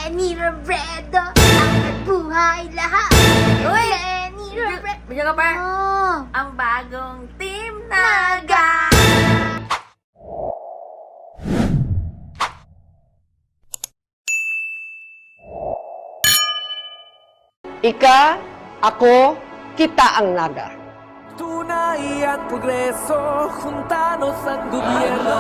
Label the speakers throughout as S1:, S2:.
S1: Lenny Robredo, angat buhay lahat.
S2: Uy!
S1: Lenny Robredo.
S2: Bidyo ka pa?
S1: Oh.
S2: Ang bagong Team Naga!
S3: Ika, ako, kita ang naga.
S4: Tunay at progreso, juntanos ang gobyerno.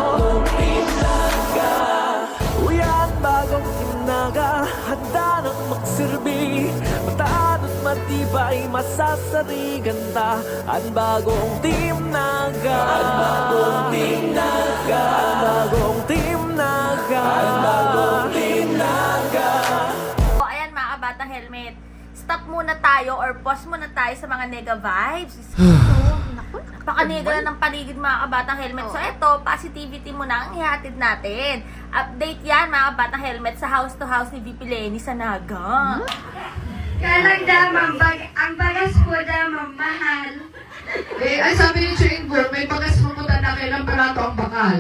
S4: Uy, ang bagong tinaga, handa nang magsilbi. Mataan at matibay, masasarigan ta. Ang bagong Team Naga. Ang bagong Team Naga. Ang bagong Team Naga. Ang bagong Team Naga.
S2: O ayan mga kabatang helmet, stop muna tayo or pause muna tayo sa mga nega vibes. Napaka-nega na ng paligid mga kabatang helmet. So eto, positivity muna ang ihatid natin. Update yan mga kabatang helmet sa house to house ni VP Lenny sa Naga.
S5: Kalang damang ang bagas po damang mahal.
S6: Eh, ay sabi ni Chainborn, may bagas pumunta na kailang barato ang bakal.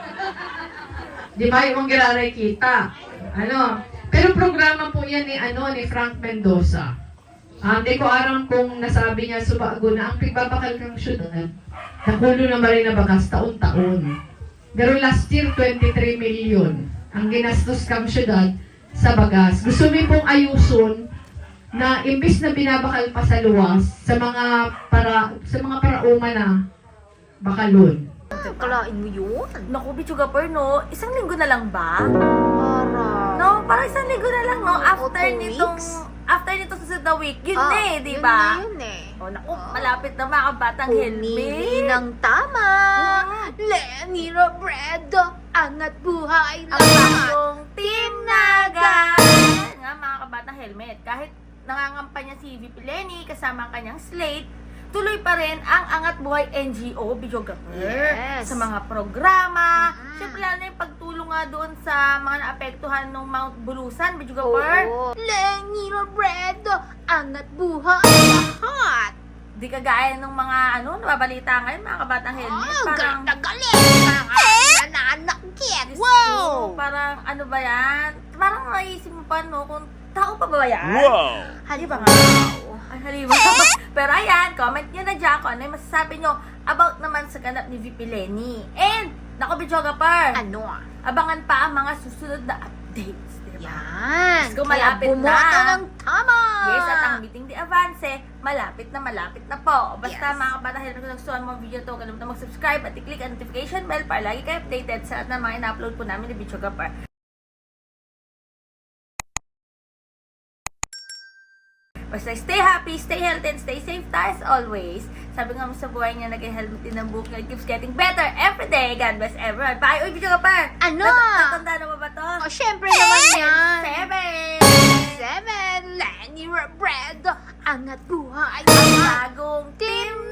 S6: Di ba yung giraray kita? Ano? Pero programa po yan ni Frank Mendoza. Hindi ko aram kung nasabi niya subago na ang pigbabakal kang syudad. Nakulo na rin na bagas taon-taon. Pero last year, 23 million ang ginastos kang syudad sa bagas. Gusto mo pong ayuson na imbis na binabakal pa sa luwas sa mga parauma na bakalon.
S1: Kalain mo yun?
S2: Naku, Bichugapur, no? Isang linggo na lang ba?
S1: Para.
S2: No, parang isang linggo na lang, no?
S1: Oo, 2
S2: After nitong susunod na week, yun na eh, di
S1: Yun
S2: ba?
S1: na yun eh.
S2: Oh, naku, malapit na mga kabatang
S1: Pumili
S2: helmet.
S1: ng tama. Lenny Robredo, angat buhay
S2: Ang
S1: lahat.
S2: bagong Team Naga! Yan nga mga kabatang helmet. Kahit nangangampanya si VP Lenny kasama ang kanyang slate, tuloy pa rin ang Angat Buhay NGO videographer
S1: Yes.
S2: sa mga programa.
S1: Mhm.
S2: Siyempre lalo na yung pagtulong nga doon sa mga naapektuhan ng Mount Bulusan videographer.
S1: Oo. Lenny Robredo, angat buhay lahat.
S2: Di kagaya ng mga nababalita ngayon mga kabatang helmet.
S1: Galit na galit. Mga nananakit.
S2: Wow! Parang ano ba yan? Parang naisip mo pa kung tao pa ba yan?
S1: Halima
S2: nga. Ay, halima. Pero ayan, comment nyo na dyan kung ano yung masasabi nyo about naman sa ganap ni VP Lenny. And, naku, Bichogapar,
S1: Ano?
S2: abangan pa ang mga susunod na updates. Diba?
S1: Yan.
S2: Diyos ko, malapit
S1: Kaya bumoto
S2: na.
S1: ng tama.
S2: Yes, at ang meeting di avance, malapit na po. Basta
S1: Yes.
S2: mga kabatahil na gustuhan mo ang video to, kalimutan mag-subscribe at i-click ang notification bell para lagi kayo updated sa lahat ng mga ina-upload po namin ni Bichogapar. Basta stay happy, stay healthy, and stay safe tayo as always. Sabi nga mo sa buhay niya, nag-helmet din ang buhok niya. It keeps getting better every day. God bless everyone. Bye! Uy, Bichogapar!
S1: Ano?
S2: Natanda na ba to?
S1: Oh, syempre naman yan.
S2: 7!
S1: 7. Lenny Robredo, angat buhay
S2: Ang
S1: lahat.
S2: bagong Team